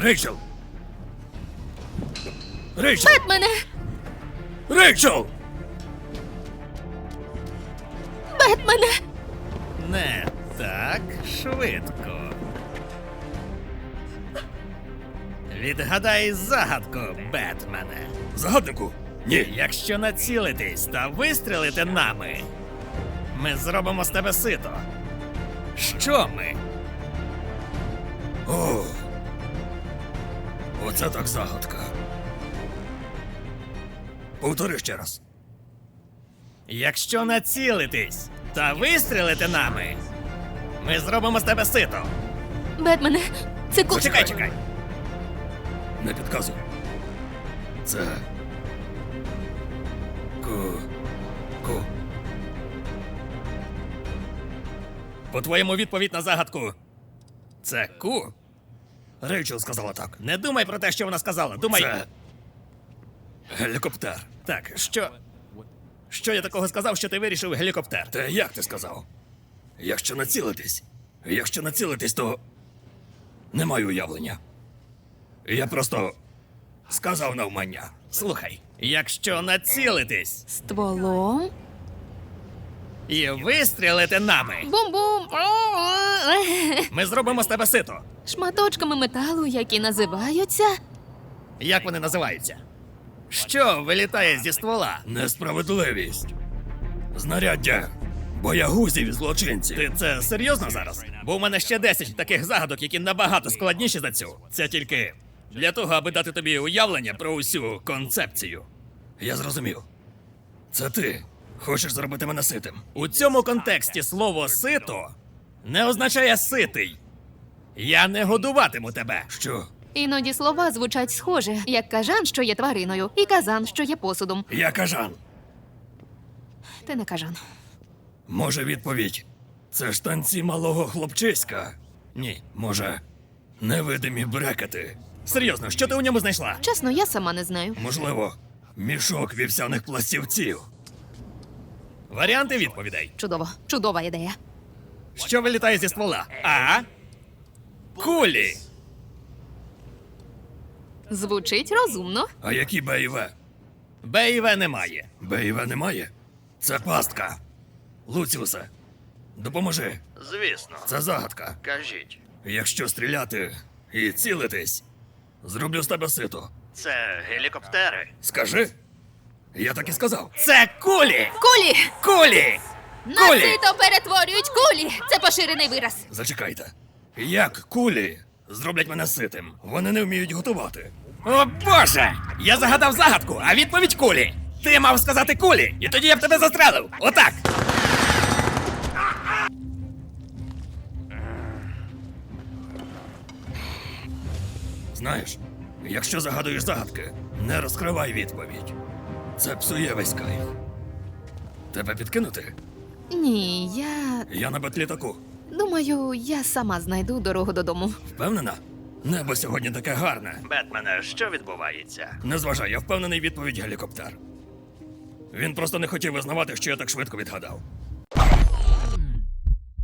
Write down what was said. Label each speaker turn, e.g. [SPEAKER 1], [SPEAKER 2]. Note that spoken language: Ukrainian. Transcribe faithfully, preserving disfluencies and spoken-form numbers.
[SPEAKER 1] Рейчел! Рейчел!
[SPEAKER 2] Бетмене!
[SPEAKER 1] Рейчел!
[SPEAKER 2] Бетмене!
[SPEAKER 3] Не так швидко. Відгадай загадку, Бетмене.
[SPEAKER 1] Загаднику? Ні.
[SPEAKER 3] Якщо націлитись та вистрілити нами, ми зробимо з тебе сито. Що ми?
[SPEAKER 1] О, оце так загадка. Повтори ще раз.
[SPEAKER 3] Якщо націлитись та вистрілити нами, ми зробимо з тебе сито.
[SPEAKER 2] Бетмене, це ку...
[SPEAKER 3] Чекай, чекай.
[SPEAKER 1] Не підказуй. Це... Ку... Ку...
[SPEAKER 3] По-твоєму, відповідь на загадку – це ку?
[SPEAKER 1] Рейчел сказала так.
[SPEAKER 3] Не думай про те, що вона сказала. Думай.
[SPEAKER 1] Це... Гелікоптер.
[SPEAKER 3] Так, що. Що я такого сказав, що ти вирішив гелікоптер?
[SPEAKER 1] Та як ти сказав? Якщо націлитись... Якщо націлитись, то... Не маю уявлення. Я просто... Сказав навмання.
[SPEAKER 3] Слухай, якщо націлитись
[SPEAKER 2] Стволом?
[SPEAKER 3] і вистрілити нами,
[SPEAKER 2] Бум-бум!
[SPEAKER 3] ми зробимо з тебе сито.
[SPEAKER 2] Шматочками металу, які називаються...
[SPEAKER 3] Як вони називаються? Що вилітає зі ствола?
[SPEAKER 1] Несправедливість. Знаряддя. Боягузів і злочинців.
[SPEAKER 3] Ти це серйозно зараз? Бо у мене ще десять таких загадок, які набагато складніші за цю. Це тільки для того, аби дати тобі уявлення про усю концепцію.
[SPEAKER 1] Я зрозумів. Це ти хочеш зробити мене ситим.
[SPEAKER 3] У цьому контексті слово сито не означає ситий. Я не годуватиму тебе.
[SPEAKER 1] Що?
[SPEAKER 2] Іноді слова звучать схоже, як кажан, що є твариною, і казан, що є посудом.
[SPEAKER 1] Я кажан.
[SPEAKER 2] Ти не кажан.
[SPEAKER 1] Може, відповідь. Це ж танці малого хлопчиська.
[SPEAKER 3] Ні.
[SPEAKER 1] Може, невидимі брекети.
[SPEAKER 3] Серйозно, що ти у ньому знайшла?
[SPEAKER 2] Чесно, я сама не знаю.
[SPEAKER 1] Можливо, мішок вівсяних пластівців.
[SPEAKER 3] Варіанти відповідей.
[SPEAKER 2] Чудово. Чудова ідея.
[SPEAKER 3] Що вилітає зі ствола? А. Кулі.
[SPEAKER 2] Звучить розумно.
[SPEAKER 1] А які Б і В?
[SPEAKER 3] Б і В немає.
[SPEAKER 1] Б і В немає? Це пастка. Луціусе, допоможи.
[SPEAKER 3] Звісно.
[SPEAKER 1] Це загадка.
[SPEAKER 3] Кажіть.
[SPEAKER 1] Якщо стріляти і цілитись, зроблю з тебе сито.
[SPEAKER 3] Це гелікоптери.
[SPEAKER 1] Скажи. Я так і сказав.
[SPEAKER 3] Це кулі!
[SPEAKER 2] Кулі!
[SPEAKER 3] Кулі!
[SPEAKER 2] На
[SPEAKER 3] Кулі!
[SPEAKER 2] сито перетворюють кулі! Це поширений вираз.
[SPEAKER 1] Зачекайте. Як кулі зроблять мене ситим? Вони не вміють готувати.
[SPEAKER 3] О боже! Я загадав загадку, а відповідь кулі! Ти мав сказати кулі, і тоді я б тебе застрелив! Отак!
[SPEAKER 1] Знаєш, якщо загадуєш загадки, не розкривай відповідь. Це псує весь кайф. Тебе підкинути?
[SPEAKER 2] Ні, я
[SPEAKER 1] Я на бетлітаку.
[SPEAKER 2] думаю, я сама знайду дорогу додому.
[SPEAKER 1] Впевнена? Небо сьогодні таке гарне.
[SPEAKER 3] Бетмене, що відбувається?
[SPEAKER 1] Не зважай, я впевнений, відповідь гелікоптер. Він просто не хотів визнавати, що я так швидко відгадав.